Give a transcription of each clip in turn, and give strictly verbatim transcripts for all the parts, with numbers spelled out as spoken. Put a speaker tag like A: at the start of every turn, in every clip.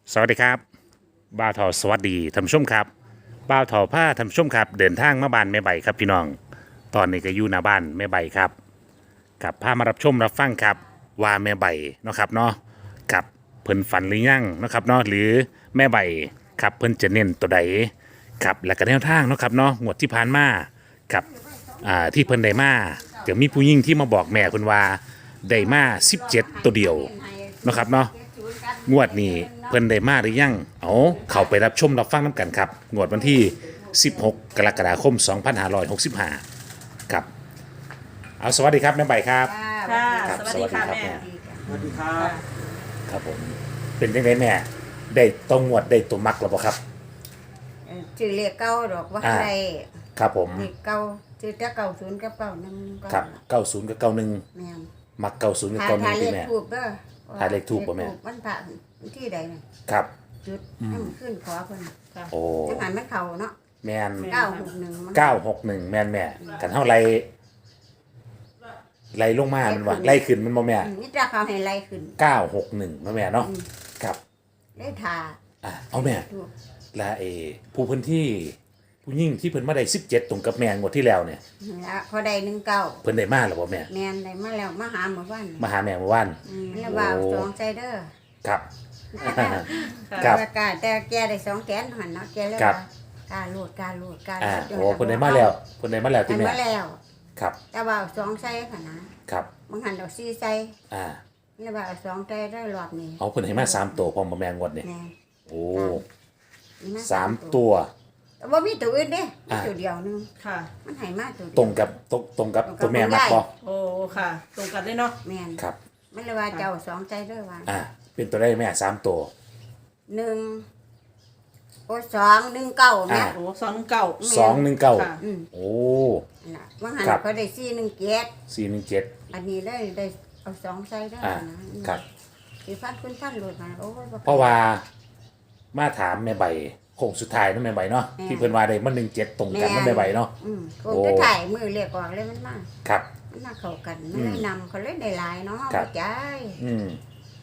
A: สวัสดีครับบ่าวเถาสวัสดีท่านผู้ชมครับบ่าวเถาผ้าท่านผู้ชมครับเดินทางมาบ้านแม่ใบครับพี่น้องตอนนี้ก็อยู่หน้าบ้านแม่ใบครับกับพามารับชมรับฟังครับว่าแม่ใบเนาะครับเนาะกับเพิ่นฝันหรือยังเนาะครับเนาะหรือแม่ใบครับเพิ่นจะเน้นตัวใดครับและก็แนวทางเนาะครับเนาะงวดที่ผ่านมากับอ่าที่เพิ่นได้มาเดี๋ยวมีผู้หญิงที่มาบอกแม่เพิ่นว่าได้มาสิบเจ็ดตัวเดียวเนาะครับเนาะ งวดนี้เพิ่นได้มาหรือยังเอาเข้าไปรับชมรับฟังน้ำกันครับงวดวันที่สิบหกกรกฎาคมสองพันห้าร้อยหกสิบห้าครับเอาสวัสดีครับแม่ใบครับ
B: ค่ะ
A: ครับ
B: สวัสดีค่ะ
A: สวัสดีครับ
B: แม่
C: สวัสดีครับ
A: ครับผมเป็นยังไงแม่ได้ตรงงวดได้ตัวมักแล้วบ่ครับ
B: เอ่อชื่อเลขเก้าดอกว่า
A: อ่า
B: อะไร
A: ครับผม
B: เลขเก้าชื่อแต่เก้าศูนย์กับเก้าหนึ่งก็
A: ครับเก้าศูนย์กับเก้าหนึ่ง
B: แม่น
A: มักเก้าศูนย์กับ
B: ถ่าย
A: เก้าหนึ่
B: ถ่าง ยเล
A: ที่
B: ข
A: แม่
B: ถูกเด้อ
A: ถ่ายเลขทูปบ่แม่
B: เลขทูปมันผ่าที่ใดน่ะ
A: ครับ
B: จุดให้มันขึ้นขอเพิ่น
A: โอ้
B: จังหันมันเข้าเนาะ
A: แมน
B: เก้าหกหนึ่งมัน
A: เก้าหกหนึ่งแมนแม่กันเท่าไรไล่ลงมามันว่าไล่ขึ้นมันบ่แม่
B: อืมนี่จะเขาให้ไล่ขึ้น
A: เก้าหกหนึ่งแม่เนาะ
B: อืม
A: ครับ
B: ได้ทา
A: อ่ะเอาแม่
B: ถูก
A: และเอผู้เพิ่นที่ผู้ยิ่งที่เพิ่นมาได้สิบเจ็ดตรงกับแม่งวดที่แล้วเนี่ย
B: นี่ละพอได้หนึ่งเก้า
A: เพิ่นได้มาหรือบ่แม่
B: แม่นได้มาแล้วมาหาหมู่บ้าน
A: มาหาแม่เมื่อวาน
B: อืมแล้วว่าเอาสองใจเด้อ
A: ครับ ค
B: ค
A: รั
B: รับ บแต่แกได้สองแกนหันเนาะแกเลย
A: ครั
B: ว่า
A: บ
B: การโหลดการโหลดการ
A: อ่า
B: โหลด
A: โอ้เพิ่นได้มาแล้วเพิ่นได้มาแล้ว
B: ได้
A: ที่แม่
B: มาแล้ว
A: ครับ
B: แต่ว่าเอาสองใส่ค่ะนะครับ บางหันเอาสี่ใส่
A: อ่า
B: แล้วว่าเอาสองใส่ได้รอบนี้
A: เอาเพิ่นให้มาสามตัวพร้อมบ่แม่งวดเนี่ย
B: แม่
A: โอ้
B: นี่
A: สามตัว
B: แต่ว่ามีตัวอื่นเด้มี
A: อ่า
B: ตัวเดียวหนึง
C: ค่ะ
B: มันให้มาตัวเดียว
A: ตรงกับตรงตรงกับตัวแม่มักบ่
C: โอ้ ค่ะ ตรงกันเลยเนาะ
B: แม่น
A: ครับ
B: มันเลยว่าเจ้าสองใส่ด้วยว่า
A: อ่าเป็นตัวได้แม่สามตัว
B: หนึ่งโอ้สองหนึ่งเก้าแม่
A: อ่า
C: โอ้สองเก่า
A: สองหนึ่งเก้า
C: ค่ะ
B: อืม
A: โอ้
B: นั่นล่ะบางหัน
A: ครับ
B: เขาได้สี่หนึ่งเจ็ด
A: สี่หนึ่งเจ็ด
B: อันนี้ได้ได้เอาสองใส่ด้วย
A: อ่า
B: นะครับ สีฟันคุณฟันโหลดมาโอ้ยบ่
A: เพราะว่ามาถามแม่ใบโค้งสุดท้ายเนาะแม่ใบเนาะที่เพิ่นว่าได้มันหนึ่งเจ็ดตรงกันเนาะแม่ใบเนาะ
B: อืมคง
A: โอ้
B: จะถ่ายมือเรียกออกเลยมันมา
A: ครับ
B: มันมาเข้ากัน
A: อื
B: มัน
A: ม
B: เลยนำเขาเลยได้หลายเนาะ
A: ครับ
B: บ่จ่าย
A: อืม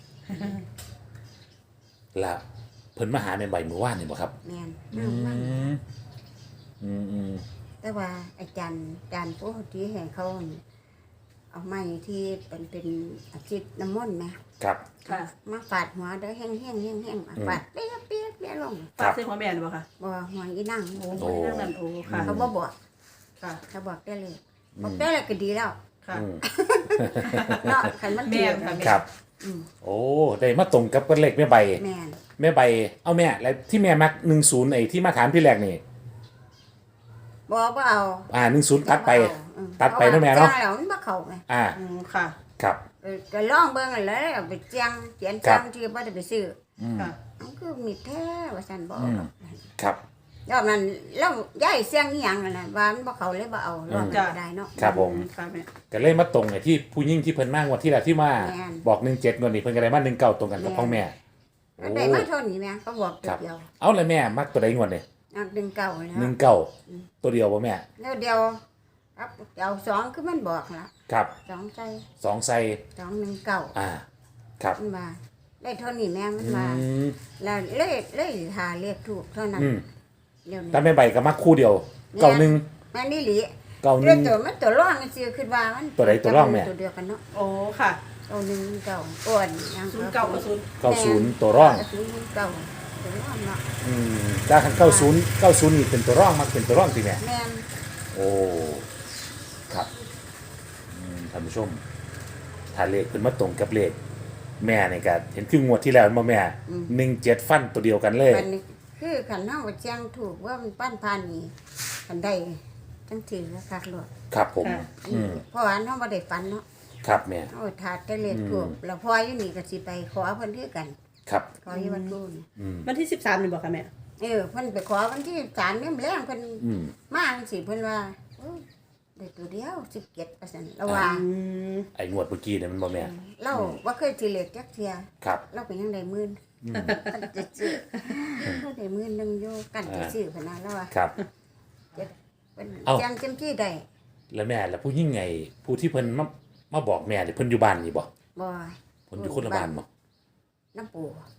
A: แล้วเพิ่นมาหาแม่ใบเมื่อวานนี่บ่ครับ
B: แม่น
A: อื
B: นั่ง
A: มอืมอืม
B: ๆแต่ว่าอาจารย์อาจารย์ผู้ที่ให้เขาเอาไม้ที่เป็นเป็นอาชีพน้ำมนต์ไหม
A: ครับ
C: ค่ะ
B: มาฟาดหัวเด้อแห้งแห้งแห้งแห้ง
A: อืม
B: ฟาดเปี้ยเปี้ยเปี้ยลง
A: ครั
C: ฝาก
A: บ
C: ซื้อหัวแม่หรือเปล่าคะ
B: บ่หัวอีนั่ง
C: โอ้
A: โอ้
C: โหนั่งนั่นโอ้ ค่ะ
B: เขาบ่บอก
C: ค่ะ
B: เขาบอกได้เลยบอกได้เลยก็ดีแล้ว
C: ค่ะ
A: อืม
B: เนาะคันมัน
C: แม่
B: เจ็
C: นค่ะ
A: ครับ
B: อืม
A: โอ้ได้มาตรงกับกันเลขแม่ใบ
B: แม่น
A: แม่ใบ เอาแม่แล้วที่แม่มักหนึ่งศูนย์ไอ้ที่มาถามที่แรกนี่
B: บ่บ่เอา
A: อ่าหนึ่งศูนย์ตัดไป
B: บ่เอาอืม
A: ตัดไปนะแม่เนาะ
B: จ้งแล้วมันบ่เข้าไง
A: อ่า
C: อืมค่ะ
A: ครับ
B: เออก็ลองเบิ่งนั่นแหล้วเอาไปเจียงเขียน
A: ครั
B: จ้า
A: บ
B: งที่บ่ได้ไปซื้อ
A: อืม
C: ค่ะ
B: มันคือมีแท้ว่าซั่นบ่
A: อืม
B: เอา
A: ครับ
B: รอบนั้นแล้วย้ายเสียงอีหยังนั่นน่ะว่ามันบ่เข้าเลยบ่เอารอบนั้น
C: จ้ะ
B: ก็ได้เนาะ
A: ครับผม
C: ค่ะแม่
A: ก็เลยมาตรงไอ้ที่ผู้ยิ่งที่เพิ่นมากวันที่แล้วที่มา
B: แม่น
A: บอกหนึ่งเจ็ดงวดนี้เพิ่นก็ได้มาหนึ่งเก้าตรงกันกับ
B: แม่น
A: พ่อแม่โอ้
B: มันได้มาเท่านี้แม่ก็บอก
A: ครับ
B: เดียว
A: เอาเลยแม่มักตัวใดงวดนี่
B: นักดึงเก่าแล้ว
A: หนึ่งเก้าตัวเดียวบ่แม่
B: แล้วเดียวครับเอาสองคือมันบอกละ
A: ครับ
B: สองใจ
A: สองไซ
B: สองหนึ่งเก่า
A: อ่า ครับ
B: มันมาได้เท่านี้แม่มัน
A: อื
B: มาม แล้วเลขเลขหาเลขถูกเท่านั้น
A: อืม
B: เดี๋ยวนี้
A: แต่แม่ใบก็มักคู่เดียวเก้าหนึ่ง
B: แม่นี่หลี
A: เก้าห
B: เรื่
A: นึ่
B: อง
A: ง
B: ตัวมันตัวร่องมันซื้อขึ้นว่ามัน
A: ตัวใดตัวร่องแม่
B: ตัวเดียวกันเนาะ
C: โอ้ ค่ะ
B: ตัวหนึ่งเก่าอ้วนยัง
C: ศูนย์เก่ากับศูนย์
A: เก้าศูนย์ตัวร่อง
B: ศูนย์เก่าตัวร่องเนาะ
A: อืมถ้าคันเก้าศูนย์เก้าศูนย์นี่เป็นตัวร่องมักเป็นตัวร่องสิแม่
B: แม่น
A: โอ้ ครับอืมท่านผู้ชม ถ้าเลขเป็นมาตรงกับเลขแม่นี่ก็เห็นคืองวดที่แล้วมาแม่หนึ่งเจ็ดฟันตัวเดียวกันเลย
B: มันนี่คือขันเฮาแจ้งถูกว่ามันปั้นพานนี่ขันได้จังถือราคาหลด
A: ครับผม
C: ค่ะ
A: อืม
B: เพราะว่าเฮาบ่ได้ฝันเนาะ
A: ครับแม่
B: เฮาถาดแต่เลขถูกแล้วพออยู่นี่ก็สิไปขอเพิ่นคือกัน
A: ครับ
B: ขออยู่วัดกูนี่
A: อืม
C: วันที่สิบสามนี่บอกค่ะแม่
B: เออเพิ่นไปขอวันที่สามเนี่ยแรงเพิ่น
A: อืม
B: มาจังซี่เพิ่นว่าโอ้ยได้ตัวเดียวสิบเจ็ดเปอร์เซ็นต์ระว่า
C: อืม
A: ไอ้งวดเมื่อกี้เนี่ยมันบ่แม่
B: เราบ่เคยสิเลขจักเที่ย
A: ครับ
B: เราเป็นยังได้หมื่นกันจะซื้อเขาได้หมื่นหนึงอยู่กันจะซื้อพะนะแล้วว่า
A: ครับ
B: เพิ่น
A: เอ้า
B: จังเต็มที่ได้
A: แล้วแม่แล้วผู้ยิ่งไงผู้ที่เพิ่นมามาบอกแม่นี่เพิ่นอยู่บ้านนี่บ่
B: บ่
A: เพิ่นอยู่คนละบ้านบ่
B: น้ำปู
A: อ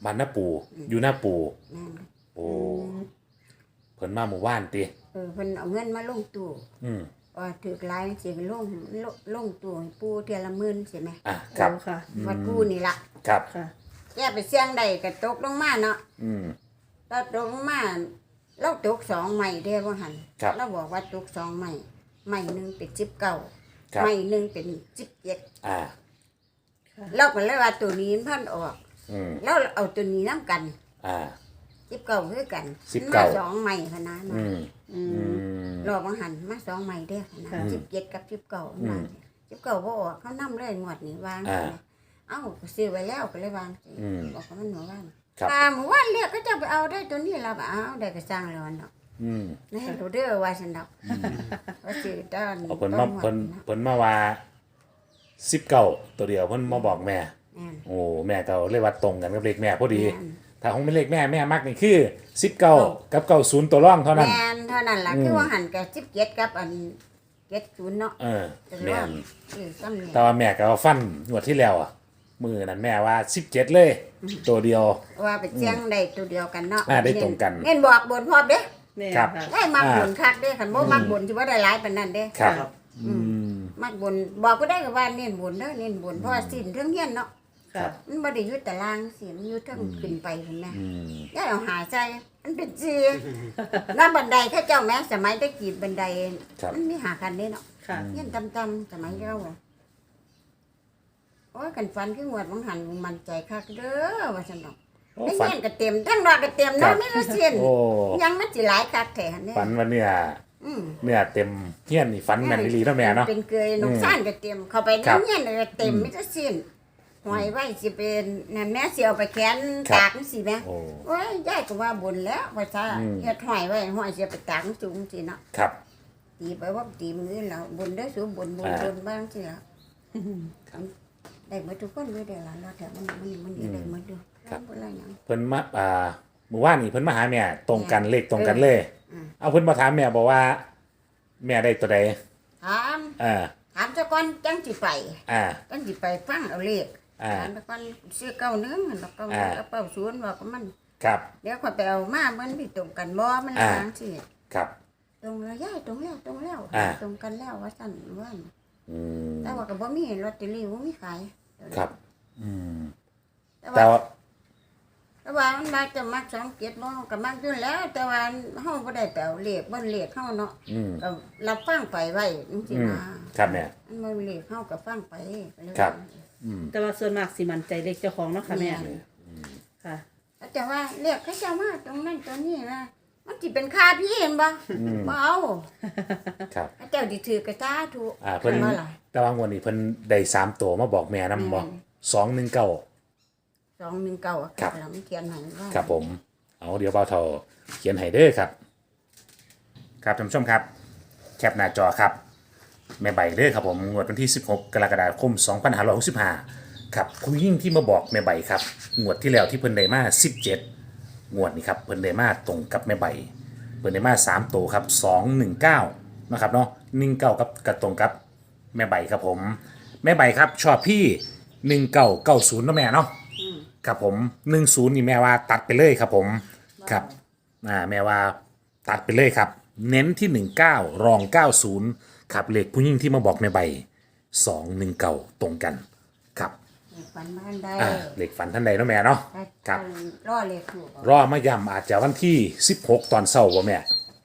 A: บ้านน้าปูอยู่หน้าปู
B: แม่น
A: โอ้เพิ่นมาหมู่บ้านติ
B: เออเพิ่นเอาเงินมาลงตู้
A: อืม
B: ว่าถือหลายสิไปลงลงลงตู้ให้ปู่เทื่อละหมื่นใช่ไหม
A: อ่ะครับ
C: โอ้ค่ะ
B: วัดปู่นี่ล่ะ
A: ครับ
C: ค่ะ
B: แกไปเสี่ยงได้ก็ตกลงมาเนาะ
A: อืม
B: เราตกลงมาเราตกสองใหม่เด้ว่าหั่น
A: ครับ
B: เราบอกว่าตกสองใหม่ใหม่หนึงเป็นสิบเก้า
A: ครับ
B: ใหม่หนึงเป็นสิบเจ็ด
A: อ่า
B: เราก็เลยว่าตัวนี้มันพันออก
A: อืม
B: แล้วเอาตัวนี้นํกัน
A: อ่า
B: สิบเก้าคือกัน
A: สิบเก้า
B: มาสองใหม่พะนะเนาะ
A: อืม
C: อื
A: อื
C: ม
A: ม
B: รอบังหันมาสองใหม่เด้อนะ
C: ค่ะ
B: สิบเจ็ดกับสิบเก้า
A: อืม
B: สิบเก้าบ่ออกเขานำเลยงวดนี้วาง
A: อ่า
B: เอ้าก็ซื้อไว้แล้วก็เลยวางสิ
A: อืม
B: บอกว่ามันหนูว่าง
A: ครับ
B: อ่าหมู่ว่านเรียกก็จะไปเอาได้ตัวนี้เราก็เอาได้ก็สร้างแล้วเนาะ
A: อืม
B: นี่ดูเด้อว่าฉันดอกว่าซื้อตอน
A: เอาเพิ่นมาเพิ่น
B: นะ
A: เพิ่นมาว่าสิบเก้าตัวเดียวเพิ่นมาบอกแม่
B: แม่น
A: โอ้แม่ก็เลยว่าตรงกันกับเลขแม่พอดี
B: แม่น
A: ถ้าคงเป็นเลขแม่แม่มักนี่คือสิบเก้ากับเก้าศูนย์ตัวร่องเท่านั้น
B: แม่นเท่านั้นล่ะ
A: อืม
B: คือว่าหันกับสิบเจ็ดกับอันเจ็ดศูนย์เนาะ
A: เออ
B: แต่
A: แม่
B: ว่าน คือซ้ำเนี่ย
A: แต่ว่าแม่ก็เอาฟันงวดที่แล้วอ่ะ มือนั้นแม่ว่าสิบเจ็ดเลย ตัวเดียว
B: ว่าไปเจียงได้ตัวเดียวกันเนาะ
A: อ่าได้ตรงกัน
B: เน้นบอกบนพร้อมเด้
C: แม่
A: ครับ
C: ค่ะ
B: ได้มักบนคักเด้คันบ่มักบนสิว่าได้หลายปานนั้นเด้
A: ครับ
C: ครับ
A: อืม
B: มักบนบอกก็ได้ก็ว่าเน้นบนเด้อเน้นบนเพราะว่าสิ้นเรื่องเฮียนเนาะ
C: ค่ะ
B: มันบ่ได้อยู่ตารางสิมันอยู่เทั้งขึ้นไปพุ่นแม่
A: อืม
B: อย่าเอาหาใจมันเป็นจีน้ำบันไดเขาเจ้าแม่สมัยตะกี้บันได
A: ครับ
B: มันมีหากันเด้เนาะ
C: ค่ะ
B: เฮียนต่ำๆสมัยเราอะโอ้ยกันฟันคืองวดบางหันมันใจคักเด้อว่าซั่นดอก
A: โอ้
B: ได้
A: ฝัน
B: เฮียนก็เต็มทั้งดอกก็เต็ม
A: ครั
B: เนาะ
A: บ
B: มีแต่เส้น
A: โอ้
B: ยังมันสิหลายคักแท้หั่นเด้
A: ฝันว่าเนี่ย
B: อืม
A: เนี่ยเต็มเฮี้ยนนี่ฝันแม่นอีหลีเนาะแม่เนาะ
B: เป็นเกยนกซ่านก็เต็มเข้าไปใน
A: ครับ
B: เฮียนก็เต็มมีแต่เส้นหอยไว้สิเป็นนั่นแม่สิเอาไปแขวน
A: ครับ
B: ตากจังซี่แม่
A: โอ้
B: โอ้ยยายก็ว่าบนแล้วว่าซะ
A: อืม
B: เฮ็ดหอยไว้หอยสิเอาไปตากสูงสิเนาะ
A: ครับ
B: ตีไปว่าตีมือแล้วบนได้สูงบนบน
A: อ่า
B: บนบ้างสิล่ะได้หมดทุกคนเลยเด้อล่ะแล้วแต่มันมันมันได้หมดอยู่
A: ครับ
B: บ่ละหยัง
A: เพิ่นมาอ่าเมื่อวานนี่เพิ่นมาหาแม่ตรงกันเลขตรงกันเลย
B: อืม
A: เอาเพิ่นมาถามแม่บอกว่า แม่ได้ตัวใด
B: ถาม
A: อ่า
B: ถามเจ้าก่อนจังสิไป
A: อ่า
B: จังสิไปฟังเอาเลข
A: อ่า
B: ถามเจ้าก่อนซื้อเก้าหนึงแล้วก็
A: อ่า
B: กระเป๋าศูนย์ว่าก็มัน
A: ครับ
B: เดี๋ยวค่อยไปเอามามันสิตรงกันบ่มัน
A: อ่า
B: ทางสิ
A: ครับ
B: ตรงแล้วยายตรงแล้วตรงแล้ว
A: อ่า
B: ตรงกันแล้วว่าซั่นว่า
A: อืม
B: แต่ว่าก็บ่มีลอตเตอรี่บ่มีขาย
A: ครับ อืม
B: แต่
A: แต่
B: ว่า
A: ว่า
B: แต่ว่ามันมาจะมักสองเจ็ดบ่ก็มักอยู่แล้ว แต่ว่าเฮาบ่ได้ไปเอาเลขบ่เลขเฮาเนาะ
A: อืม
B: ก็รับฟังไปไว้จังซี่
A: อืม
B: นะครับ
A: แม่
B: มันบ่เลขเฮาก็ฟังไปก็เลย
A: ครับ อืม
C: แต่ว่าส่วนมากสิมันใจเล็กเจ้าของเนาะค่ะแม่ ค่ะ
B: แต่ว่าเลขเขาเจะมาตรงนั้นตรงนี้นะมันสิเป็นค่าพี่เห็นบ่
A: อืม
B: บ่เอา
A: ครับ
B: เขาเจ้าสิถือกระตาถูก
A: อ่าเพิ่น
B: ว่าล่ะ
A: แต่ว่างวดนี้เพิ่นได้สามตัวมาบอกแม่นำบ่
B: แม่น
A: สองหนึ่งเก้า
B: สองหนึ่งเก้า
A: ครับ
B: แล้วมันเขียนให้ว่า
A: ครับผม เอาเดี๋ยวเบาเท่าเขียนให้เด้อครับ ครับท่านผู้ชมครับ แคปหน้าจอครับ แม่ใบเด้อครับผมงวดวันที่สิบหกกรกฎาคมสองพันห้าร้อยหกสิบห้าครับคุณยิ่งที่มาบอกแม่ใบครับงวดที่แล้วที่เพิ่นได้มาสิบเจ็ดงวดนี้ครับเพิ่นได้มาตรงกับแม่ใบเพิ่นได้มาสามตัวครับสองหนึ่งเก้านะครับเนาะหนึ่งเก้ากับกระตรงกับแม่ใบครับผม แม่ใบครับชอบพี่หนึ่งเก้าเก้าศูนย์เนาะแม่เนาะ
B: อืม
A: ครับผมหนึ่งศูนย์นี่แม่ว่าตัดไปเลยครับผมครับอ่าแม่ว่าตัดไปเลยครับ เน้นที่หนึ่งเก้ารองเก้าศูนย์ครับเลขผู้หญิงที่มาบอกแม่ใบสองหนึ่งเก้าตรงกันครับ
B: เลขฝันบ้านได้
A: อ่าเลขฝันท่านใดเนาะแม่เนาะ
B: ถ้า
A: ครับ
B: รอเลขถูก
A: รอมาย้ำอาจจะวันที่สิบหกตอนเช้าบ่แม่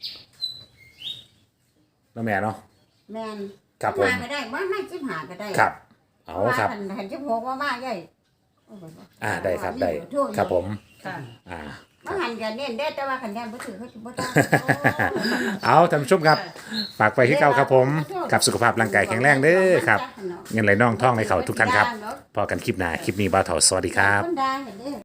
A: เนาะแม่เนาะ
B: แม่น
A: ครับผม
B: มาก็ได้บ่ไม่สิบห้าก็ได้
A: ครับเอาครับ
B: ว่าคันคันสิบหกว่ามาใหญ่โอ้โห
A: อ่าได้ครับได้
B: โทษ
A: ครับผม
C: ค่ะ
A: อ่า
B: ว่าหันกันเน้นได้แต่ว่าคันแดนบ่ถือเขาสิบ่ได้
A: เอาท่านผู้ชมครับฝากไปที่เก่าครับผมกับสุขภาพร่างกายแข็งแรงเด้อครับเงินไหลน่องท่องในเขาทุกท่านครับพอกันคลิปหน้าคลิปนี้บ่าวเถาสวัสดีครับ
B: คนดังเด้อ